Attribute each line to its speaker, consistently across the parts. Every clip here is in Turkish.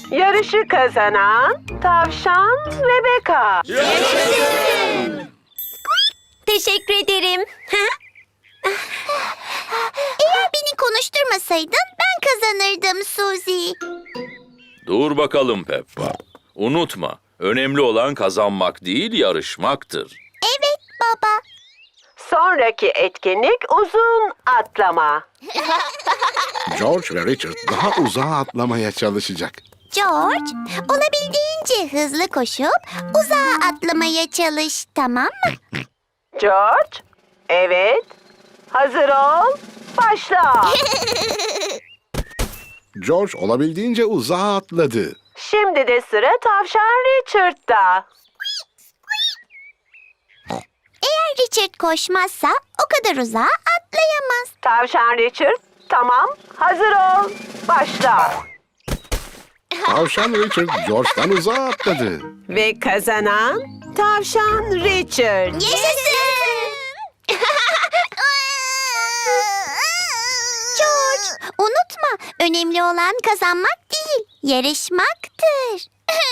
Speaker 1: Yarışı kazanan Tavşan Rebecca.
Speaker 2: Teşekkür ederim. Eğer beni konuşturmasaydın ben kazanırdım Suzy.
Speaker 3: Dur bakalım Peppa. Unutma, önemli olan kazanmak değil, yarışmaktır.
Speaker 2: Evet baba.
Speaker 1: Sonraki etkinlik uzun atlama.
Speaker 4: George ve Richard daha uzağa atlamaya çalışacak.
Speaker 2: George, olabildiğince hızlı koşup uzağa atlamaya çalış, tamam mı?
Speaker 1: George, evet. Hazır ol, başla.
Speaker 4: George olabildiğince uzağa atladı.
Speaker 1: Şimdi de sıra Tavşan Richard'da.
Speaker 2: Eğer Richard koşmazsa o kadar uzağa atlayamaz.
Speaker 1: Tavşan Richard, tamam. Hazır ol, başla.
Speaker 4: Tavşan Richard George'dan uzağa atladı.
Speaker 1: Ve kazanan Tavşan Richard.
Speaker 2: Yaşasın! George, unutma, önemli olan kazanmak değil, yarışmaktır.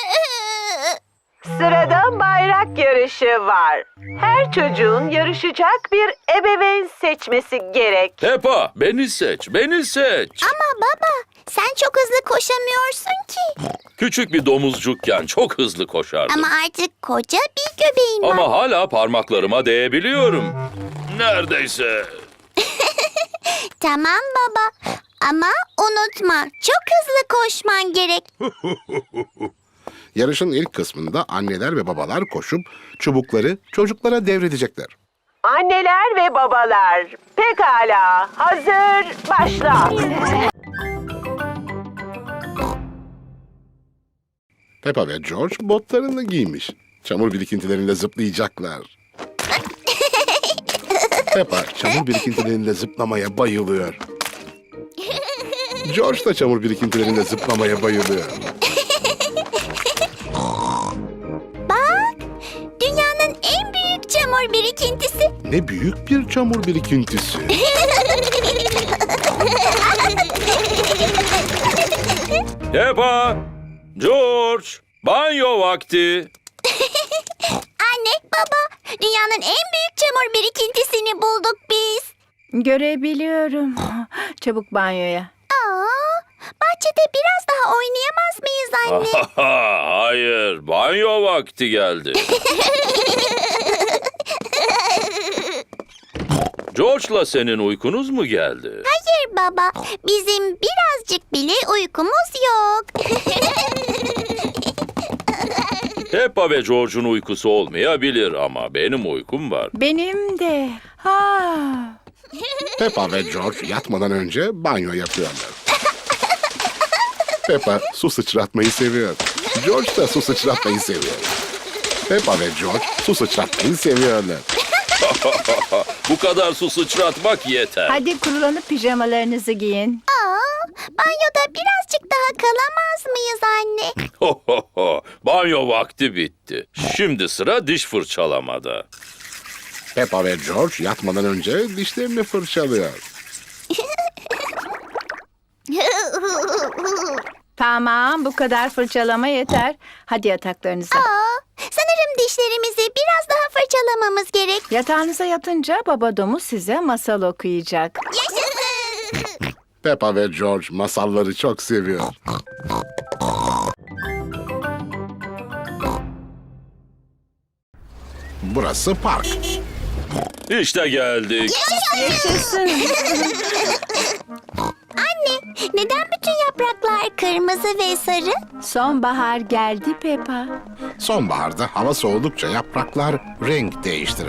Speaker 1: Sırada bayrak yarışı var. Her çocuğun yarışacak bir ebeveyn seçmesi gerek.
Speaker 3: Peppa, beni seç, beni seç.
Speaker 2: Ama baba, sen çok hızlı koşamıyorsun ki.
Speaker 3: Küçük bir domuzcukken çok hızlı koşardım.
Speaker 2: Ama artık koca bir göbeğin var.
Speaker 3: Ama hala parmaklarıma değebiliyorum. Neredeyse.
Speaker 2: Tamam baba. Ama unutma, çok hızlı koşman gerek.
Speaker 4: Yarışın ilk kısmında anneler ve babalar koşup çubukları çocuklara devredecekler.
Speaker 1: Anneler ve babalar, pekala, hazır, başla.
Speaker 4: Peppa ve George botlarını giymiş. Çamur birikintilerinde zıplayacaklar. Peppa çamur birikintilerinde zıplamaya bayılıyor. George da çamur birikintilerinde zıplamaya bayılıyor.
Speaker 2: Bak, dünyanın en büyük çamur birikintisi.
Speaker 4: Ne büyük bir çamur birikintisi.
Speaker 3: Peppa, George, banyo vakti.
Speaker 2: Anne, baba, dünyanın en büyük çamur birikintisini bulduk biz.
Speaker 5: Görebiliyorum. Çabuk banyoya.
Speaker 2: Aa, bahçede biraz daha oynayamaz mıyız anne?
Speaker 3: Hayır, banyo vakti geldi. George'la senin uykunuz mu geldi?
Speaker 2: Hayır baba, bizim birazcık bile uykumuz yok.
Speaker 3: Peppa ve George'un uykusu olmayabilir ama benim uykum var.
Speaker 5: Benim de. Ha.
Speaker 4: Peppa ve George yatmadan önce banyo yapıyorlar. Peppa su sıçratmayı seviyor. George da su sıçratmayı seviyor. Peppa ve George su sıçratmayı seviyorlar.
Speaker 3: Bu kadar su sıçratmak yeter.
Speaker 5: Hadi kurulanıp pijamalarınızı giyin.
Speaker 2: Aa, banyoda birazcık daha kalamaz mıyız anne?
Speaker 3: Banyo vakti bitti. Şimdi sıra diş fırçalamada.
Speaker 4: Peppa ve George yatmadan önce dişlerini fırçalıyor.
Speaker 5: Tamam, bu kadar fırçalama yeter. Hadi yataklarınıza.
Speaker 2: Sanırım dişlerimizi biraz daha fırçalamamız gerek.
Speaker 5: Yatağınıza yatınca baba domuz size masal okuyacak.
Speaker 2: Yaşasın!
Speaker 4: Peppa ve George masalları çok seviyor. Burası park.
Speaker 3: İşte geldik.
Speaker 5: Yaşasın.
Speaker 2: Anne, neden bütün yapraklar kırmızı ve sarı?
Speaker 5: Sonbahar geldi Peppa.
Speaker 4: Sonbaharda hava soğudukça yapraklar renk değiştirir.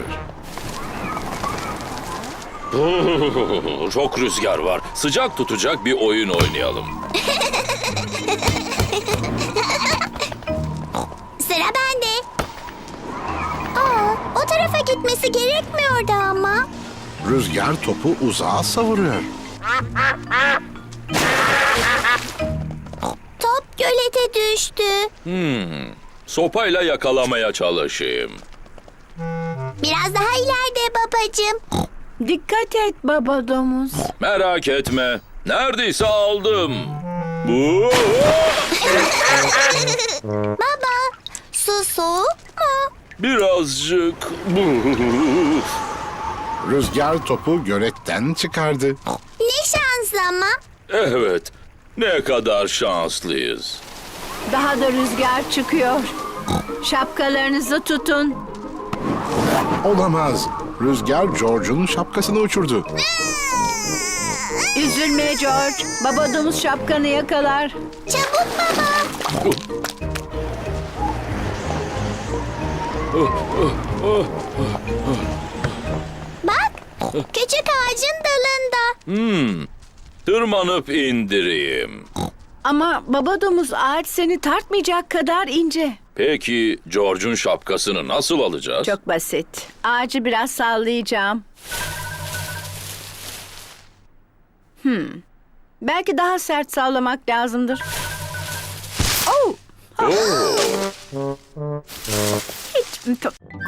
Speaker 3: Çok rüzgar var. Sıcak tutacak bir oyun oynayalım.
Speaker 2: Sıra bende. O tarafa gitmesi gerekmiyordu ama.
Speaker 4: Rüzgar topu uzağa savuruyor.
Speaker 2: Top gölete düştü.
Speaker 3: Sopayla yakalamaya çalışayım.
Speaker 2: Biraz daha ileride babacığım.
Speaker 5: Dikkat et baba domuz.
Speaker 3: Merak etme. Neredeyse aldım. Bu
Speaker 2: Baba, su soğuk mu?
Speaker 3: birazcık.
Speaker 4: Rüzgar topu göletten çıkardı.
Speaker 2: Ne şans ama.
Speaker 3: Evet, ne kadar şanslıyız.
Speaker 5: Daha da rüzgar çıkıyor. Şapkalarınızı tutun.
Speaker 4: Olamaz. Rüzgar George'un şapkasını uçurdu.
Speaker 5: Üzülme George. Baba domuz şapkanı yakalar.
Speaker 2: Çabuk baba. Bak, küçük ağacın dalında.
Speaker 3: Tırmanıp indireyim.
Speaker 5: Ama baba domuz ağaç seni tartmayacak kadar ince.
Speaker 3: Peki George'un şapkasını nasıl alacağız?
Speaker 5: Çok basit. Ağacı biraz sallayacağım. Belki daha sert sallamak lazımdır. Oh! Hiç...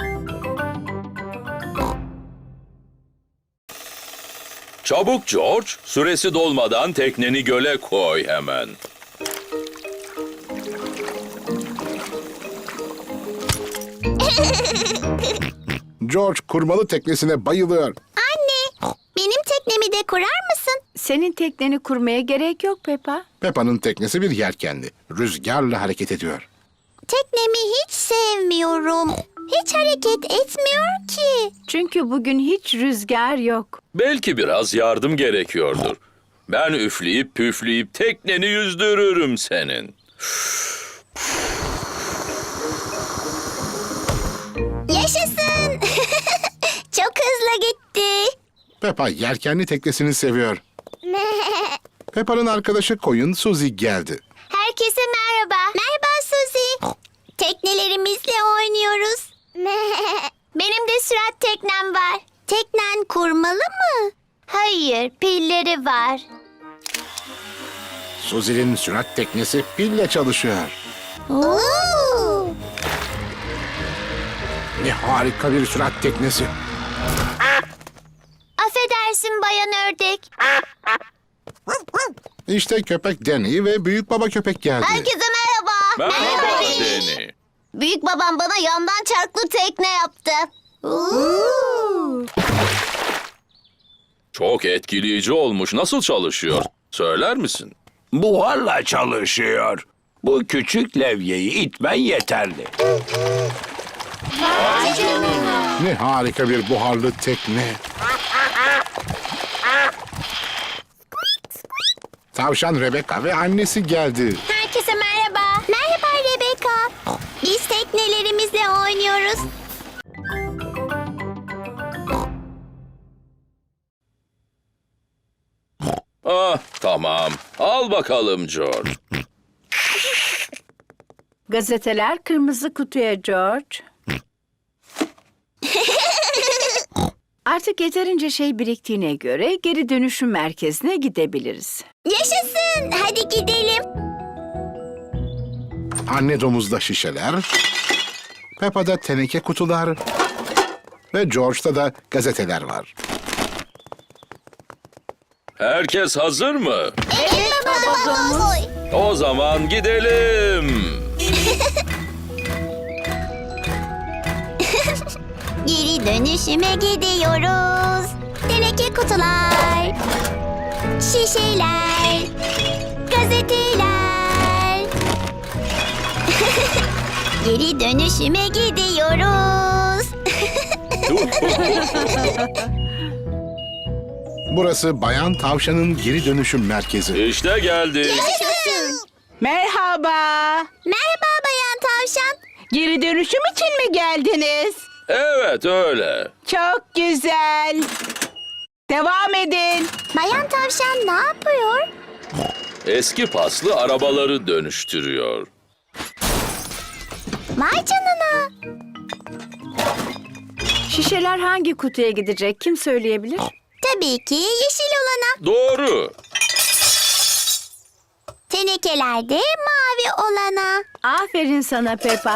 Speaker 3: Çabuk George, süresi dolmadan tekneni göle koy hemen.
Speaker 4: George kurmalı teknesine bayılıyor.
Speaker 2: Anne, benim teknemi de kurar mısın?
Speaker 5: Senin tekneni kurmaya gerek yok Peppa.
Speaker 4: Peppa'nın teknesi bir yelkenli. Rüzgarla hareket ediyor.
Speaker 2: Teknemi hiç sevmiyorum. Hiç hareket etmiyor ki.
Speaker 5: Çünkü bugün hiç rüzgar yok.
Speaker 3: Belki biraz yardım gerekiyordur. Ben üfleyip püfleyip tekneni yüzdürürüm senin.
Speaker 2: Yaşasın. Çok hızlı gitti.
Speaker 4: Peppa yelkenli teknesini seviyor. Peppa'nın arkadaşı koyun Suzy geldi.
Speaker 2: Herkese merhaba. Merhaba Suzy. Teknelerimizle oynuyoruz. Benim de sürat teknem var. Teknen kurmalı mı? Hayır, pilleri var.
Speaker 4: Suzy'nin sürat teknesi pille çalışıyor.
Speaker 2: Oo!
Speaker 4: Ne harika bir sürat teknesi.
Speaker 2: Affedersin bayan ördek.
Speaker 4: İşte köpek Danny ve büyük baba köpek geldi.
Speaker 2: Herkese merhaba.
Speaker 3: Merhaba
Speaker 2: Danny.
Speaker 3: Danny.
Speaker 2: Büyük babam bana yandan çarklı tekne yaptı.
Speaker 3: Çok etkileyici olmuş. Nasıl çalışıyor? Söyler misin?
Speaker 6: Buharla çalışıyor. Bu küçük levyeyi itmen yeterli.
Speaker 4: Ne harika bir buharlı tekne. Tavşan Rebecca ve annesi geldi.
Speaker 2: Herkese merhaba. Merhaba Rebecca. Biz teknelerimizle oynuyoruz.
Speaker 3: Ah, tamam. Al bakalım George.
Speaker 5: Gazeteler kırmızı kutuya George. Artık yeterince şey biriktiğine göre geri dönüşüm merkezine gidebiliriz.
Speaker 2: Yaşasın. Hadi gidelim.
Speaker 4: Anne domuzda şişeler, Peppa'da teneke kutular ve George'da da gazeteler var.
Speaker 3: Herkes hazır mı?
Speaker 2: Evet baba domuz.
Speaker 3: O zaman gidelim.
Speaker 2: Geri dönüşüme gidiyoruz. Teneke kutular, şişeler, gazeteler. Geri dönüşüme gidiyoruz.
Speaker 4: Burası Bayan Tavşan'ın geri dönüşüm merkezi.
Speaker 3: İşte geldi.
Speaker 2: Yaşasın.
Speaker 7: Merhaba.
Speaker 2: Merhaba Bayan Tavşan.
Speaker 7: Geri dönüşüm için mi geldiniz?
Speaker 3: Evet öyle.
Speaker 7: Çok güzel. Devam edin.
Speaker 2: Bayan Tavşan ne yapıyor?
Speaker 3: Eski paslı arabaları dönüştürüyor.
Speaker 2: Vay canına.
Speaker 5: Şişeler hangi kutuya gidecek? Kim söyleyebilir?
Speaker 2: Tabii ki yeşil olana.
Speaker 3: Doğru.
Speaker 2: Tenekeler de mavi olana.
Speaker 5: Aferin sana Peppa.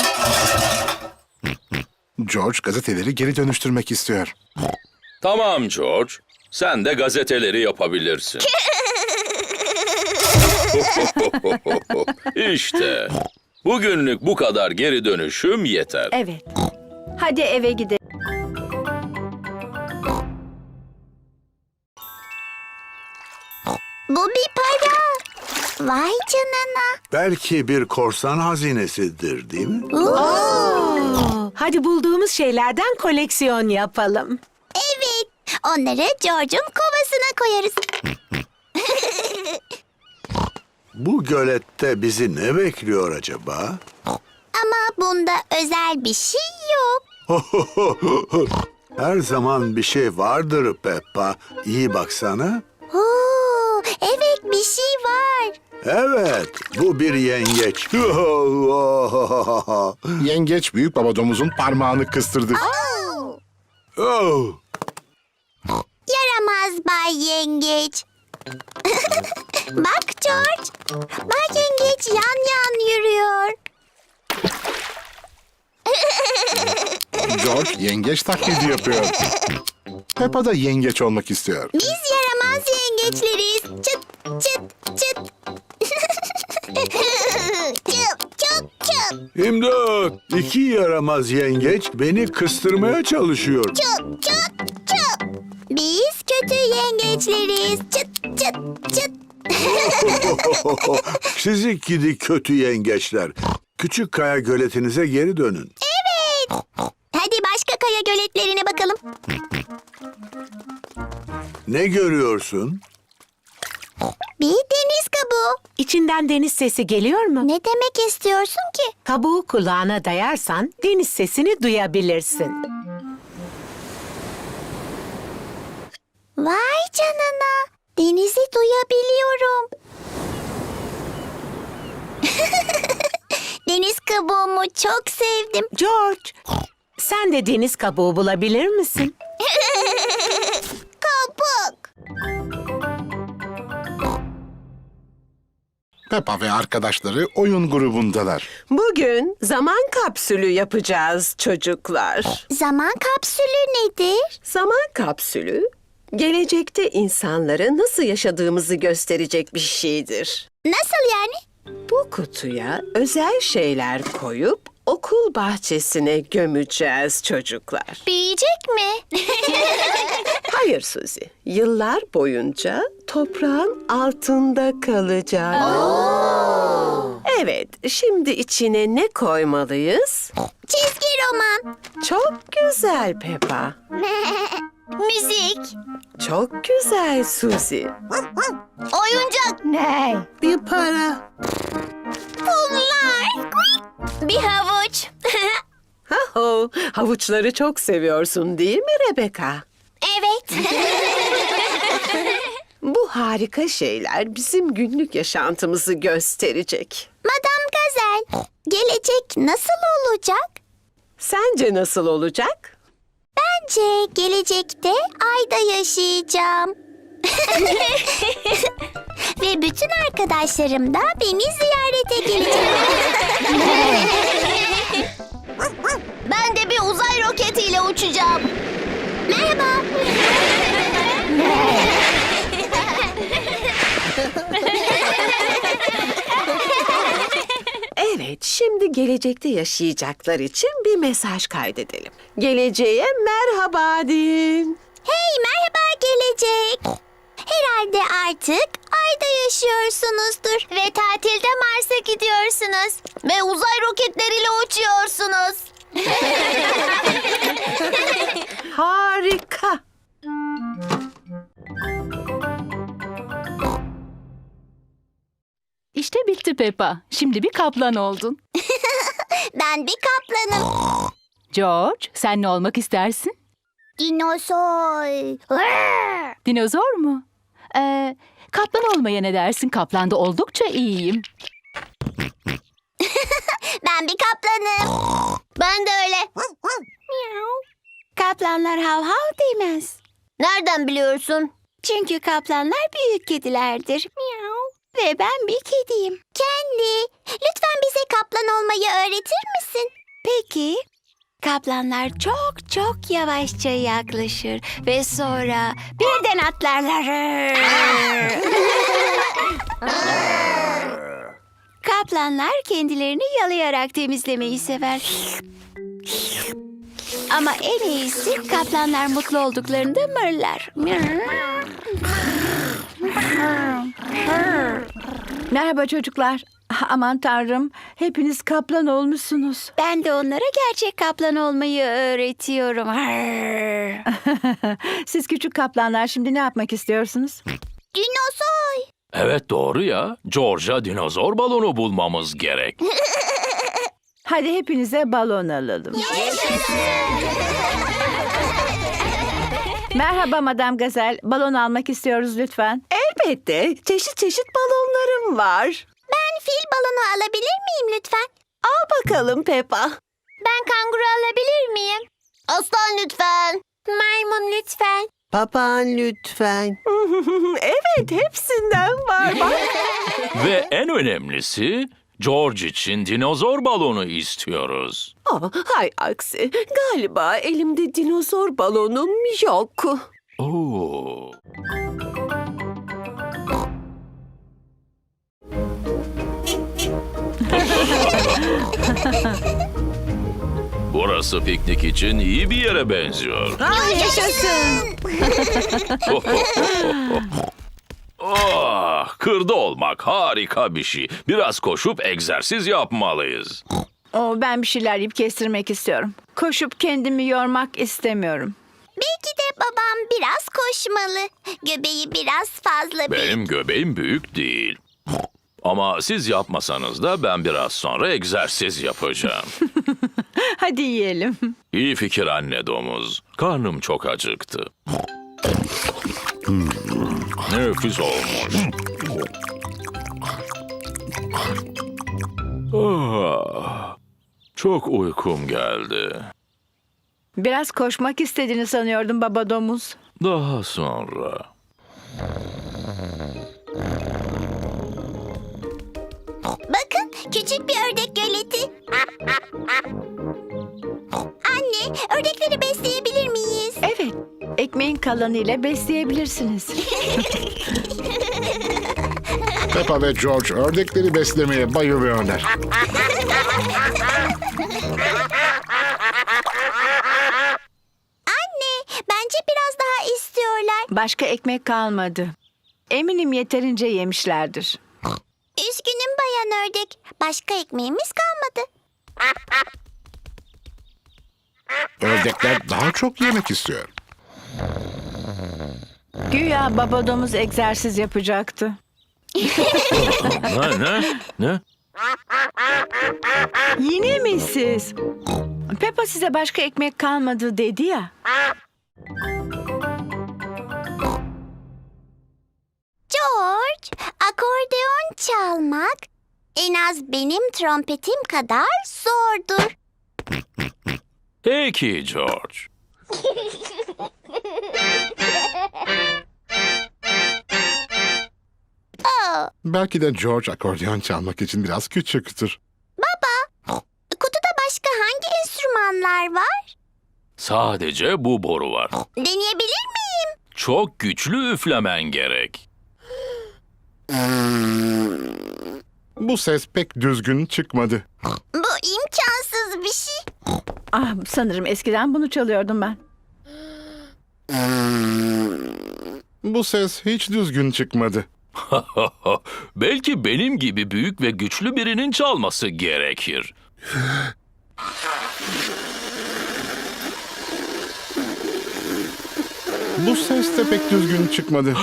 Speaker 4: George gazeteleri geri dönüştürmek istiyor.
Speaker 3: Tamam George. Sen de gazeteleri yapabilirsin. İşte bugünlük bu kadar geri dönüşüm yeter.
Speaker 5: Evet. Hadi eve gidelim.
Speaker 2: Bu bir para. Vay canına.
Speaker 8: Belki bir korsan hazinesidir, değil mi?
Speaker 7: Hadi bulduğumuz şeylerden koleksiyon yapalım.
Speaker 2: Evet. Onları George'un kovasına koyarız.
Speaker 8: Bu gölette bizi ne bekliyor acaba?
Speaker 2: Ama bunda özel bir şey yok.
Speaker 8: Her zaman bir şey vardır Peppa. İyi baksana.
Speaker 2: Oo, evet bir şey var.
Speaker 8: Evet, bu bir yengeç.
Speaker 4: Yengeç büyük baba domuzun parmağını kıstırdı.
Speaker 2: Oo,
Speaker 8: Oh,
Speaker 2: yaramaz Bay Yengeç. Bak George. Bay Yengeç yan yan yürüyor.
Speaker 4: George yengeç taklidi yapıyor. Peppa da yengeç olmak istiyor.
Speaker 2: Biz yaramaz yengeçleriz. Çıt çıt çıt. Çıp çıp çıp.
Speaker 8: İmdat! İki yaramaz yengeç beni kıstırmaya çalışıyor.
Speaker 2: Çıp çıp çıp. Biz kötü yengeçleriz. Çıt çıt çıt.
Speaker 8: Sizi gidi kötü yengeçler. Küçük kaya göletinize geri dönün.
Speaker 2: Evet. Hadi başka kaya göletlerine bakalım.
Speaker 8: Ne görüyorsun?
Speaker 2: Bir deniz kabuğu.
Speaker 7: İçinden deniz sesi geliyor mu?
Speaker 2: Ne demek istiyorsun ki?
Speaker 7: Kabuğu kulağına dayarsan deniz sesini duyabilirsin.
Speaker 2: Vay canına. Denizi duyabiliyorum. Deniz kabuğumu çok sevdim.
Speaker 7: George, sen de deniz kabuğu bulabilir misin?
Speaker 2: Kabuk.
Speaker 4: Peppa ve arkadaşları oyun grubundalar.
Speaker 1: Bugün zaman kapsülü yapacağız çocuklar.
Speaker 2: Zaman kapsülü nedir?
Speaker 1: Zaman kapsülü, gelecekte insanlara nasıl yaşadığımızı gösterecek bir şeydir.
Speaker 2: Nasıl yani?
Speaker 1: Bu kutuya özel şeyler koyup okul bahçesine gömeceğiz çocuklar.
Speaker 2: Büyüyecek mi?
Speaker 1: Hayır Suzy, yıllar boyunca toprağın altında kalacak. Evet, şimdi içine ne koymalıyız?
Speaker 2: Çizgi roman.
Speaker 1: Çok güzel Peppa.
Speaker 2: Müzik.
Speaker 1: Çok güzel Suzy.
Speaker 2: Oyuncak.
Speaker 5: Ne?
Speaker 7: Bir para.
Speaker 2: Kumlar. Bir havuç.
Speaker 1: Haho, havuçları çok seviyorsun değil mi Rebecca?
Speaker 2: Evet.
Speaker 1: Bu harika şeyler bizim günlük yaşantımızı gösterecek.
Speaker 2: Madame Gazel, gelecek nasıl olacak?
Speaker 1: Sence nasıl olacak?
Speaker 2: Bence gelecekte ayda yaşayacağım. Ve bütün arkadaşlarım da beni ziyarete gelecek. Ben de bir uzay roketiyle uçacağım. Merhaba.
Speaker 1: Evet, şimdi gelecekte yaşayacaklar için bir mesaj kaydedelim. Geleceğe merhaba deyin.
Speaker 2: Hey merhaba gelecek. Herhalde artık ayda yaşıyorsunuzdur. Ve tatilde Mars'a gidiyorsunuz. Ve uzay roketleriyle uçuyorsunuz.
Speaker 1: Harika.
Speaker 9: İşte bitti Peppa. Şimdi bir kaplan oldun.
Speaker 2: Ben bir kaplanım.
Speaker 9: George, sen ne olmak istersin?
Speaker 2: Dinozor.
Speaker 9: Dinozor mu? Kaplan olmaya ne dersin? Kaplanda oldukça iyiyim.
Speaker 2: Ben bir kaplanım. Ben de öyle.
Speaker 5: Kaplanlar hav hav demez.
Speaker 2: Nereden biliyorsun?
Speaker 5: Çünkü kaplanlar büyük kedilerdir. Ve ben bir kediyim.
Speaker 2: Kendi. Lütfen bize kaplan olmayı öğretir misin?
Speaker 5: Peki. Kaplanlar çok çok yavaşça yaklaşır ve sonra birden atlarlar.
Speaker 2: Kaplanlar kendilerini yalayarak temizlemeyi sever. Ama en iyisi kaplanlar mutlu olduklarında mırlar.
Speaker 5: Merhaba çocuklar. Aman tanrım, hepiniz kaplan olmuşsunuz.
Speaker 2: Ben de onlara gerçek kaplan olmayı öğretiyorum.
Speaker 5: Siz küçük kaplanlar şimdi ne yapmak istiyorsunuz?
Speaker 2: Dinozor.
Speaker 3: Evet doğru ya. George'a dinozor balonu bulmamız gerek.
Speaker 5: Hadi hepinize balon alalım. Merhaba Madam Gazel. Balon almak istiyoruz lütfen.
Speaker 1: Elbette. Çeşit çeşit balonlarım var.
Speaker 2: Ben fil balonu alabilir miyim lütfen?
Speaker 1: Al bakalım Peppa.
Speaker 2: Ben kanguru alabilir miyim? Aslan lütfen. Maymun lütfen.
Speaker 1: Papağan lütfen. Evet, hepsinden var. Bak.
Speaker 3: Ve en önemlisi George için dinozor balonu istiyoruz.
Speaker 1: Hay aksi. Galiba elimde dinozor balonum yok.
Speaker 3: Oo. Burası piknik için iyi bir yere benziyor.
Speaker 5: Yaşasın.
Speaker 3: Oh, kırda olmak harika bir şey. Biraz koşup egzersiz yapmalıyız.
Speaker 5: Ben bir şeyler yiyip kestirmek istiyorum. Koşup kendimi yormak istemiyorum.
Speaker 2: Belki de babam biraz koşmalı. Göbeği biraz fazla büyük.
Speaker 3: Benim göbeğim büyük değil. Ama siz yapmasanız da ben biraz sonra egzersiz yapacağım.
Speaker 5: Hadi yiyelim.
Speaker 3: İyi fikir anne domuz. Karnım çok acıktı. Nefis olmuş. Çok uykum geldi.
Speaker 5: Biraz koşmak istediğini sanıyordum baba domuz.
Speaker 3: Daha sonra.
Speaker 2: Bakın küçük bir ördek göleti. Anne, ördekleri besleyebilir miyiz?
Speaker 5: Evet, ekmeğin kalanıyla besleyebilirsiniz.
Speaker 4: Peppa ve George ördekleri beslemeye bayılıyorlar.
Speaker 2: Anne, bence biraz daha istiyorlar.
Speaker 5: Başka ekmek kalmadı. Eminim yeterince yemişlerdir.
Speaker 2: Üzgünüm bayan ördek. Başka ekmeğimiz kalmadı.
Speaker 4: Ördekler daha çok yemek istiyor.
Speaker 5: Güya baba domuz egzersiz yapacaktı.
Speaker 3: Ne?
Speaker 5: Yine mi siz? Peppa size başka ekmek kalmadı dedi ya.
Speaker 2: George, akordeon çalmak en az benim trompetim kadar zordur.
Speaker 3: Peki George.
Speaker 4: Belki de George akordeon çalmak için biraz küçüktür.
Speaker 2: Kutuda başka hangi enstrümanlar var?
Speaker 3: Sadece bu boru var.
Speaker 2: Deneyebilir miyim?
Speaker 3: Çok güçlü üflemen gerek.
Speaker 4: Bu ses pek düzgün çıkmadı.
Speaker 2: Bu imkansız bir şey.
Speaker 5: Sanırım eskiden bunu çalıyordum ben.
Speaker 4: Bu ses hiç düzgün çıkmadı.
Speaker 3: Belki benim gibi büyük ve güçlü birinin çalması gerekir.
Speaker 4: Bu ses de pek düzgün çıkmadı.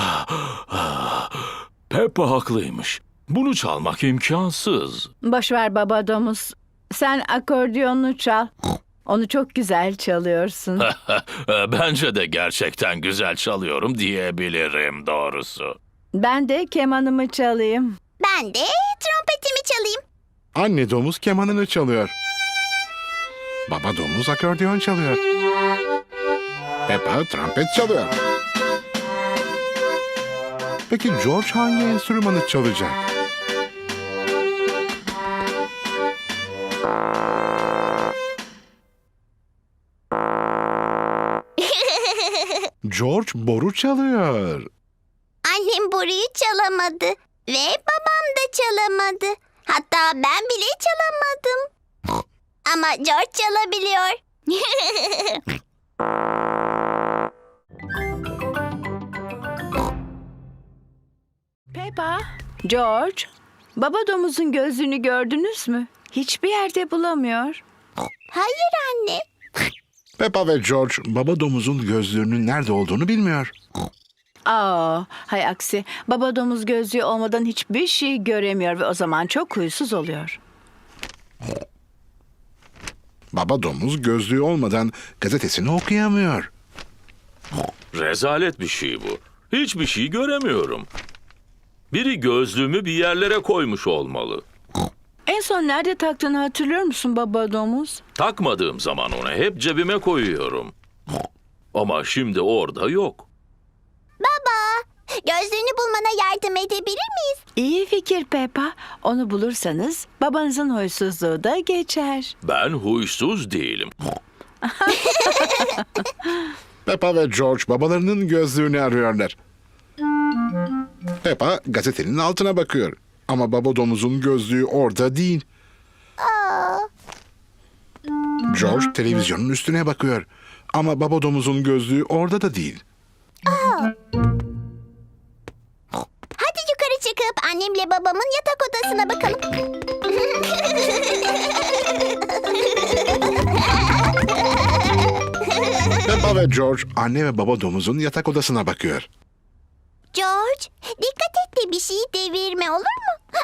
Speaker 3: Peppa haklıymış. Bunu çalmak imkansız.
Speaker 5: Boş ver baba domuz. Sen akordiyonunu çal. Onu çok güzel çalıyorsun.
Speaker 3: Bence de gerçekten güzel çalıyorum diyebilirim doğrusu.
Speaker 5: Ben de kemanımı çalayım.
Speaker 2: Ben de trompetimi çalayım.
Speaker 4: Anne domuz kemanını çalıyor. Baba domuz akordeon çalıyor. Peppa trompet çalıyor. Peki George hangi enstrümanı çalacak? George boru çalıyor.
Speaker 2: Annem boruyu çalamadı ve babam da çalamadı. Hatta ben bile çalamadım. Ama George çalabiliyor.
Speaker 5: Peppa, George, baba domuzun gözlüğünü gördünüz mü? Hiçbir yerde bulamıyor.
Speaker 2: Hayır anne.
Speaker 4: Peppa ve George baba domuzun gözlüğünün nerede olduğunu bilmiyor.
Speaker 5: Hay aksi. Baba domuz gözlüğü olmadan hiçbir şey göremiyor ve o zaman çok huysuz oluyor.
Speaker 4: Baba domuz gözlüğü olmadan gazetesini okuyamıyor.
Speaker 3: Rezalet bir şey bu. Hiçbir şey göremiyorum. Biri gözlüğümü bir yerlere koymuş olmalı.
Speaker 5: En son nerede taktığını hatırlıyor musun baba domuz?
Speaker 3: Takmadığım zaman onu hep cebime koyuyorum. Ama şimdi orada yok.
Speaker 2: Baba, gözlüğünü bulmana yardım edebilir miyiz?
Speaker 5: İyi fikir Peppa. Onu bulursanız babanızın huysuzluğu da geçer.
Speaker 3: Ben huysuz değilim.
Speaker 4: Peppa ve George babalarının gözlüğünü arıyorlar. Peppa gazetenin altına bakıyor. Ama baba domuzun gözlüğü orada değil. George televizyonun üstüne bakıyor. Ama baba domuzun gözlüğü orada da değil.
Speaker 2: Hadi yukarı çıkıp annemle babamın yatak odasına bakalım.
Speaker 4: Peppa ve George anne ve baba domuzun yatak odasına bakıyor.
Speaker 2: George, dikkat et de bir şey devirme olur mu?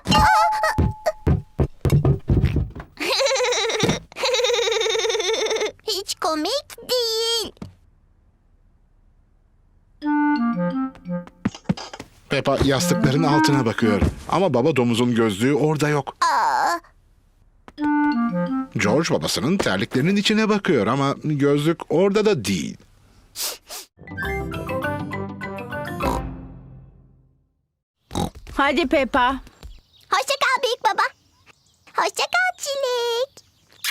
Speaker 2: Hiç komik değil.
Speaker 4: Peppa yastıkların altına bakıyor. Ama baba domuzun gözlüğü orada yok. George babasının terliklerinin içine bakıyor ama gözlük orada da değil.
Speaker 5: Hadi Peppa.
Speaker 2: Hoşça kal büyük baba. Hoşça kal Çilek.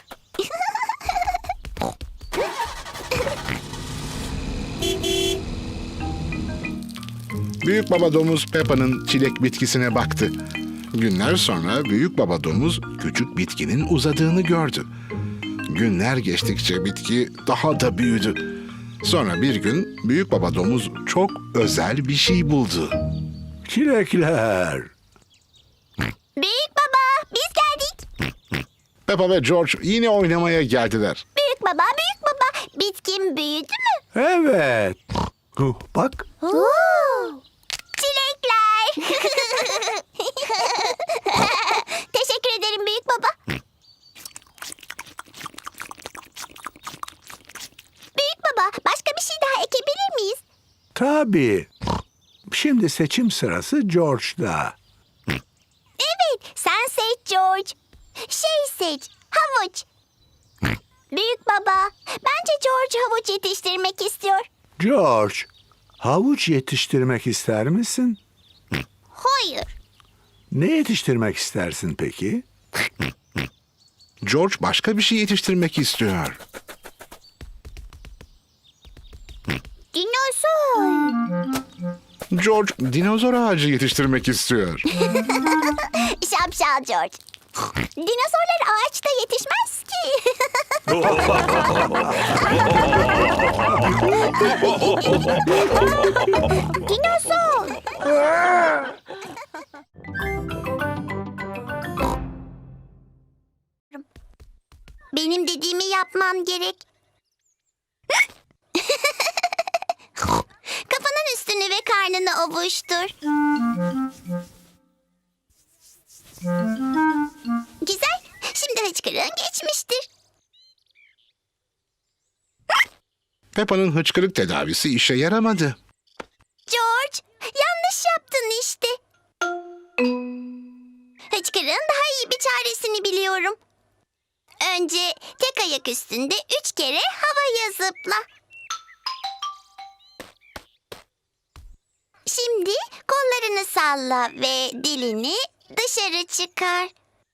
Speaker 4: Büyük baba domuz Peppa'nın çilek bitkisine baktı. Günler sonra büyük baba domuz küçük bitkinin uzadığını gördü. Günler geçtikçe bitki daha da büyüdü. Sonra bir gün büyük baba domuz çok özel bir şey buldu.
Speaker 8: Çilekler.
Speaker 2: Büyük baba, biz geldik.
Speaker 4: Peppa ve George yine oynamaya geldiler.
Speaker 2: Büyük baba, bitkin büyüdü mü?
Speaker 8: Evet. Bak.
Speaker 2: Çilekler. Teşekkür ederim büyük baba. Büyük baba, başka bir şey daha ekebilir miyiz?
Speaker 8: Tabii. Şimdi seçim sırası George'da.
Speaker 2: Evet, sen seç George. Seç, havuç. Büyük baba, bence George havuç yetiştirmek istiyor.
Speaker 8: George, havuç yetiştirmek ister misin?
Speaker 2: Hayır.
Speaker 8: Ne yetiştirmek istersin peki?
Speaker 4: George başka bir şey yetiştirmek istiyor.
Speaker 2: Dinozor.
Speaker 4: George dinozor ağacı yetiştirmek istiyor.
Speaker 2: Şapşal George. Dinozorlar ağaçta yetişmez ki. Dinozor. Benim dediğimi yapman gerek. Kafanın üstünü ve karnını ovuştur. Güzel. Şimdi hıçkırığın geçmiştir.
Speaker 4: Peppa'nın hıçkırık tedavisi işe yaramadı.
Speaker 2: George, yanlış yaptın işte. Hıçkırığın daha iyi bir çaresini biliyorum. Önce tek ayak üstünde 3 kere havaya zıpla. Şimdi kollarını salla ve dilini dışarı çıkar.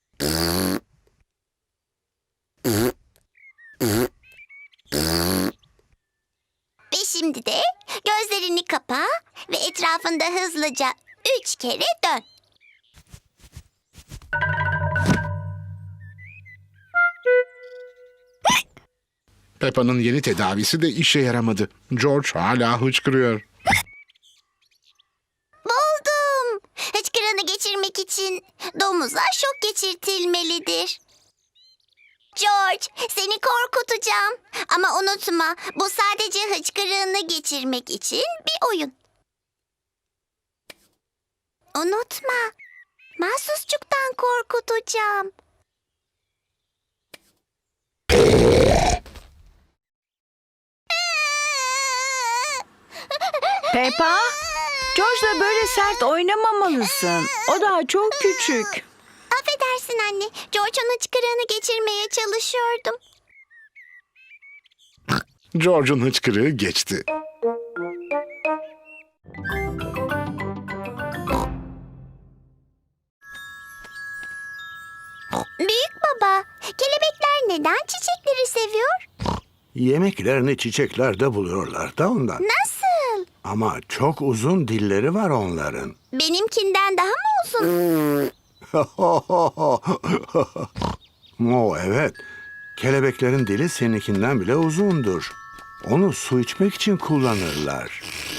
Speaker 2: Ve şimdi de gözlerini kapa ve etrafında hızlıca 3 kere dön.
Speaker 4: Peppa'nın yeni tedavisi de işe yaramadı. George hala hıçkırıyor.
Speaker 2: Buldum. Hıçkırığını geçirmek için domuza şok geçirtilmelidir. George, seni korkutacağım. Ama unutma, bu sadece hıçkırığını geçirmek için bir oyun. Unutma, mahsusçuktan korkutacağım.
Speaker 5: Peppa, George'la böyle sert oynamamalısın. O daha çok küçük.
Speaker 2: Affedersin anne, George'un hıçkırığını geçirmeye çalışıyordum.
Speaker 4: George'un hıçkırığı geçti.
Speaker 2: Büyük baba, kelebekler neden çiçekleri seviyor?
Speaker 8: Yemeklerini çiçeklerde buluyorlar da ondan.
Speaker 2: Nasıl?
Speaker 8: Ama çok uzun dilleri var onların.
Speaker 2: Benimkinden daha mı uzun?
Speaker 8: Evet. Kelebeklerin dili seninkinden bile uzundur. Onu su içmek için kullanırlar.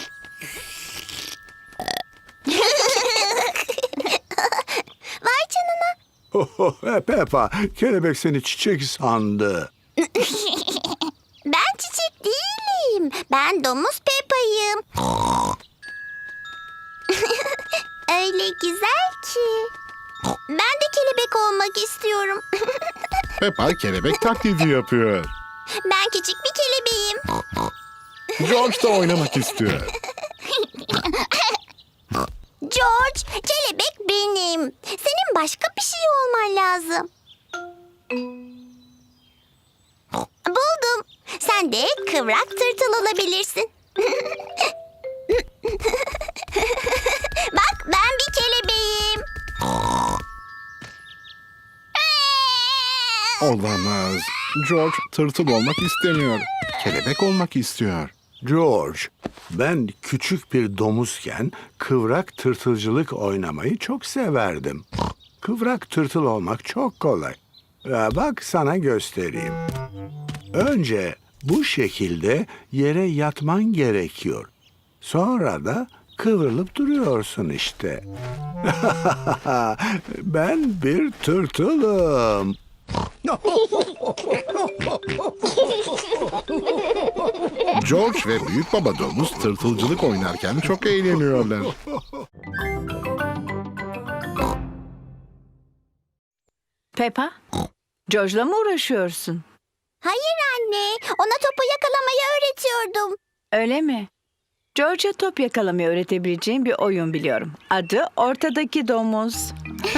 Speaker 2: Vay canına.
Speaker 8: Peppa, kelebek seni çiçek sandı.
Speaker 2: Ben çiçek değilim. Ben domuz Peppa'yım. Öyle güzel ki. Ben de kelebek olmak istiyorum.
Speaker 4: Peppa kelebek taklidi yapıyor.
Speaker 2: Ben küçük bir kelebeğim.
Speaker 4: George da oynamak istiyor.
Speaker 2: George, kelebek benim. Senin başka bir şey olman lazım. Buldum. Sen de kıvrak tırtıl olabilirsin. Bak, ben bir kelebeğim.
Speaker 4: Olamaz. George tırtıl olmak istemiyor. Kelebek olmak istiyor.
Speaker 8: George, ben küçük bir domuzken kıvrak tırtılcılık oynamayı çok severdim. Kıvrak tırtıl olmak çok kolay. Bak sana göstereyim. Önce bu şekilde yere yatman gerekiyor. Sonra da kıvrılıp duruyorsun işte. Ben bir tırtılım.
Speaker 4: George ve büyük baba domuz tırtılcılık oynarken çok eğleniyorlar.
Speaker 5: Peppa, George'la mı uğraşıyorsun?
Speaker 2: Hayır anne, ona topu yakalamayı öğretiyordum.
Speaker 5: Öyle mi? George'a top yakalamayı öğretebileceğim bir oyun biliyorum. Adı Ortadaki Domuz.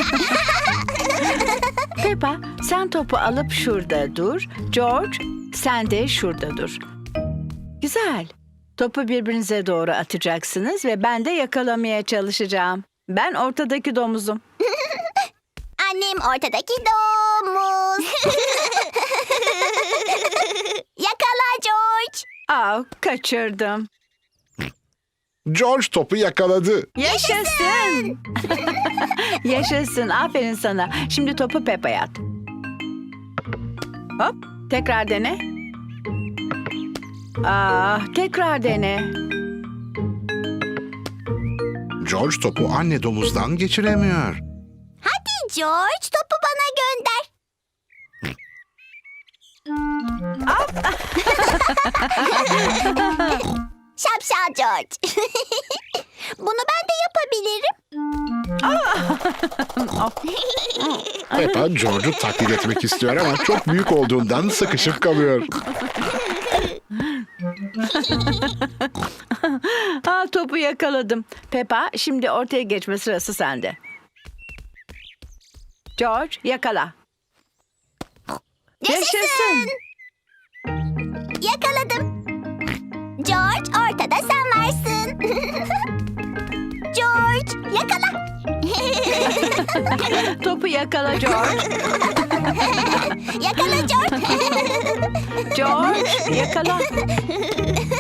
Speaker 5: Peppa, sen topu alıp şurada dur. George, sen de şurada dur. Güzel. Topu birbirinize doğru atacaksınız ve ben de yakalamaya çalışacağım. Ben ortadaki domuzum.
Speaker 2: Annem ortadaki domuz. Yakala George.
Speaker 5: Aa, kaçırdım.
Speaker 4: George topu yakaladı.
Speaker 5: Yaşasın. Yaşasın. Aferin sana. Şimdi topu Peppa'ya at. Hop. Tekrar dene. Tekrar dene.
Speaker 4: George topu anne domuzdan geçiremiyor.
Speaker 2: Hadi George, topu bana gönder. Şapşal George. Bunu ben de yapabilirim.
Speaker 4: Peppa George'u taklit etmek istiyor ama çok büyük olduğundan sıkışıp kalıyor.
Speaker 5: Topu yakaladım. Peppa, şimdi ortaya geçme sırası sende. George, yakala. Yaşasın.
Speaker 2: Yakaladım. George, ortada sen varsın. George, yakala.
Speaker 5: Topu yakala George.
Speaker 2: Yakala George.
Speaker 5: George, yakala.